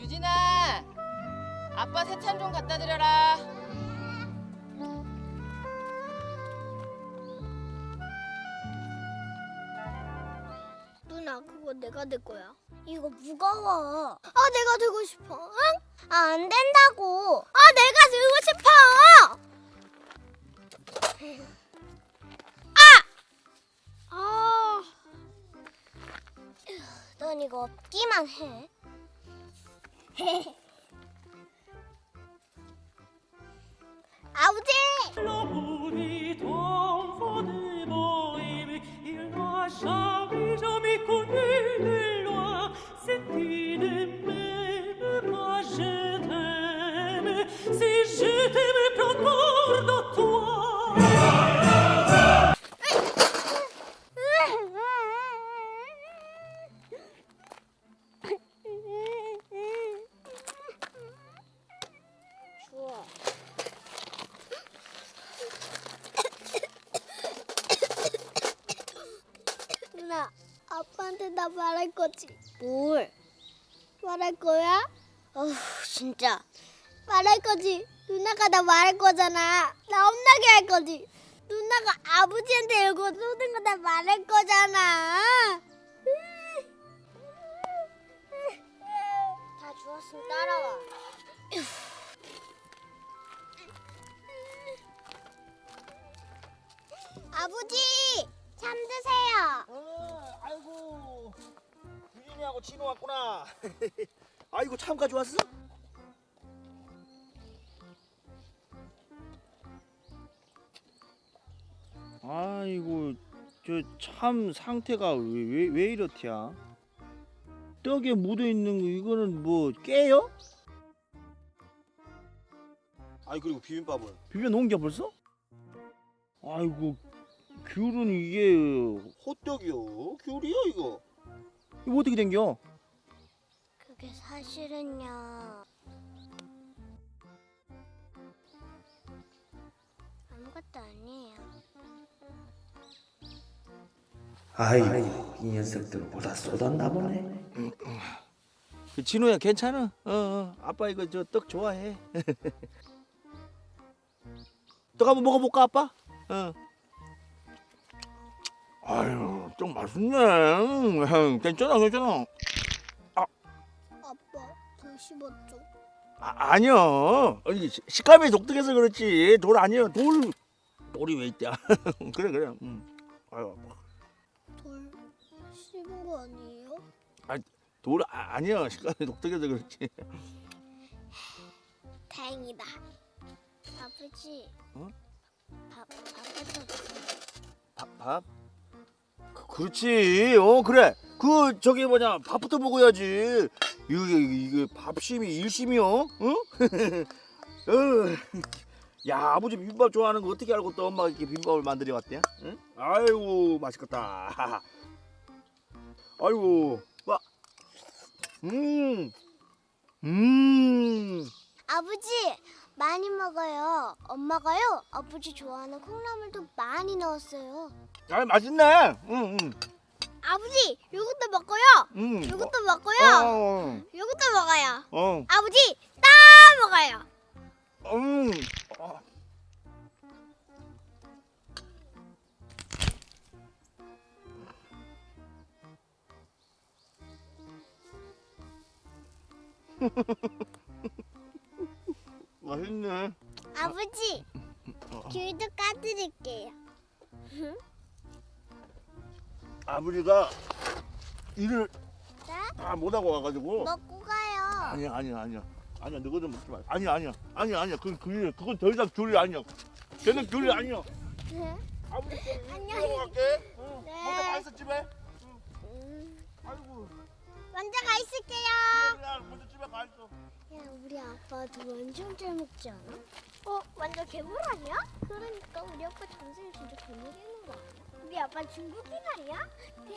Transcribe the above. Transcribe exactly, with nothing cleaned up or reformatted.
유진아, 아빠 세찬 좀 갖다 드려라. 누나, 그거 내가 들 거야. 이거 무거워. 아, 내가 들고 싶어. 응? 아, 안 된다고. 아, 내가 들고 싶어. 아! 아. 넌 이거 없기만 해. 아버지! L'amour d'enfant de Bohème, il n'a jamais, jamais connu de loi. C'est qui ne m'aime pas, je t'aime. Si je t'aime, prends garde à toi. 추워. 누나, 아빠한테 나 말할 거지? 뭘? 말할 거야? 어휴, 진짜. 말할 거지. 누나가 나 말할 거잖아. 나 혼나게 할 거지. 누나가 아버지한테 이거 쏘는 거 나 말할 거잖아. 다 주웠으면 따라와. 아버지, 참 드세요. 어, 아이고, 유진이하고 진호 왔구나. 아이고, 참 가져왔어? 아이고, 저 참 상태가 왜, 왜, 왜 이렇디야? 떡에 묻어있는 거 이거는 뭐 깨요? 아니 그리고 비빔밥은? 비벼 놓은 게 벌써? 아이고, 귤은 이게 호떡이요? 귤이요 이거? 이거 어떻게 된겨? 그게 사실은요. 아무것도 아니에요. 아이고 이 녀석들 보다 쏟았나 보네. 그 진호야 괜찮아? 어, 어 아빠 이거 저 떡 좋아해. 떡 한번 먹어볼까 아빠? 어. 아유 떡 맛있네. 음, 괜찮아 괜찮아. 아빠, 더 씹었죠? 아, 아니요. 아니, 시- 식감이 독특해서 그렇지. 돌 아니요. 돌 돌이 왜 있대? 그래 그래. 음. 아유 아빠. 돌 씹은 거 아니에요? 돌 아, 아니요. 식감이 독특해서 그렇지. 다행이다. 아버지. 어? 밥, 밥부터 주세요. 밥 밥? 그, 그렇지. 어 그래. 그 저기 뭐냐 밥부터 먹어야지. 이게 이게 밥심이 일심이요. 응? 어. 야 아버지 비빔밥 좋아하는 거 어떻게 알고 또 엄마가 이렇게 비빔밥을 만들어 왔대? 응? 아이고 맛있겠다. 아이고 와. 음. 음. 아버지, 많이 먹어요. 엄마가요, 아버지 좋아하는 콩나물도 많이 넣었어요. 아 맛있네. 응 응. 아버지, 이것도 먹고요. 응. 이것도 먹고요. 어. 이것도 먹어요. 어. 아버지, 다 먹어요. 음. 어. 맛있네. 아버지, 귤도 까드릴게요. 아버지가 일을 네? 다 못하고 와가지고. 먹고 가요. 아니야 아니야 아니야 아니야 너거 좀 먹지 마. 아니야 아니야 아니야 아니야 그건 귤이 그건 더 이상 귤이 아니야. 걔는 귤이 아니야. 네? 아버지 좀 안녕히 일하고 갈게. 응. 네. 먼저 가 있어 집에. 음, 아이고. 먼저 가 있을게요. 그냥 먼저 집에 가 있어. 야, 우리 아빠도 완전 잘 먹지 않아? 어, 완전 괴물 아니야? 그러니까 우리 아빠 전생에 진짜 괴물이는 거 아니야? 우리 아빠 중국인 아니야?